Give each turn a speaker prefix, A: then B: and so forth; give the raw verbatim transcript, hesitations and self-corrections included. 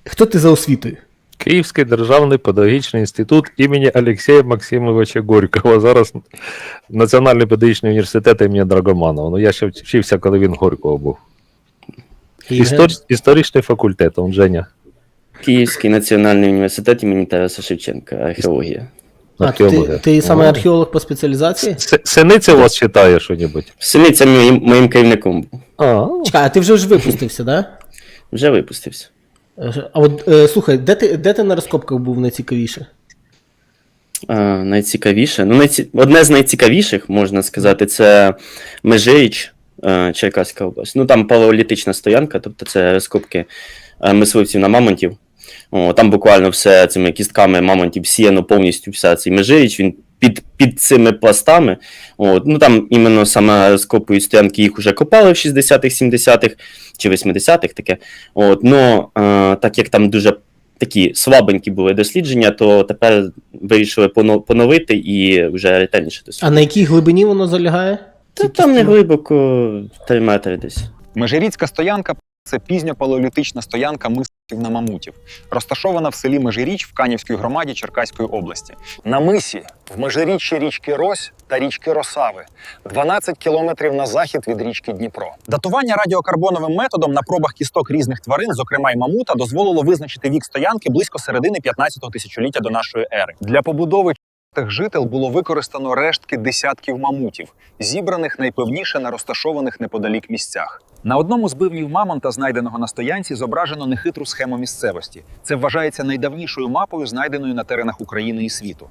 A: Хто ти за освітою?
B: Київський державний педагогічний інститут імені Олексія Максимовича Горького. Зараз Національний педагогічний університет імені Драгоманова. Ну, я ще вчився, коли він Горького був. Істор... Історичний факультет, он Женя.
C: Київський національний університет імені Тараса Шевченка, археологія.
A: А, ти, ти саме археолог по спеціалізації?
B: С- Синиця у вас читає що-небудь?
C: Синиця моїм, моїм керівником був.
B: А,
A: Чекай, а ти вже ж випустився, да?
C: Вже випустився.
A: А от, е, слухай, де ти, де ти на розкопках був найцікавіше?
C: А, найцікавіше. Ну, найці... Одне з найцікавіших, можна сказати, це Межиріч, е, Черкаська область. Ну, там палеолітична стоянка, тобто це розкопки е, мисливців на мамонтів. О, там буквально все цими кістками мамонтів сіяно повністю вся цей Межиріч, він під, під цими пластами. От. Ну, там іменно саме розкопують стоянки, їх вже копали в шістдесятих, сімдесятих чи восьмидесятих таке. От. Ну, е, так як там дуже такі слабенькі були дослідження, то тепер вирішили поновити і вже ретельніше
A: А
C: досліджувати.
A: на якій глибині воно залягає?
C: Та там не глибоко, три метри десь.
D: Межиріцька стоянка – це пізньопалеолітична стоянка мисливців на мамутів, розташована в селі Межиріч в Канівській громаді Черкаської області.
E: На мисі, в межиріччі річки Рось та річки Росави, дванадцять кілометрів на захід від річки Дніпро.
D: Датування радіокарбоновим методом на пробах кісток різних тварин, зокрема й мамута, дозволило визначити вік стоянки близько середини п'ятнадцятого тисячоліття до нашої ери. Для побудови тих жител було використано рештки десятків мамутів, зібраних найпевніше на розташованих неподалік місцях. На одному з бивнів мамонта, знайденого на стоянці, зображено нехитру схему місцевості. Це вважається найдавнішою мапою, знайденою на теренах України і світу.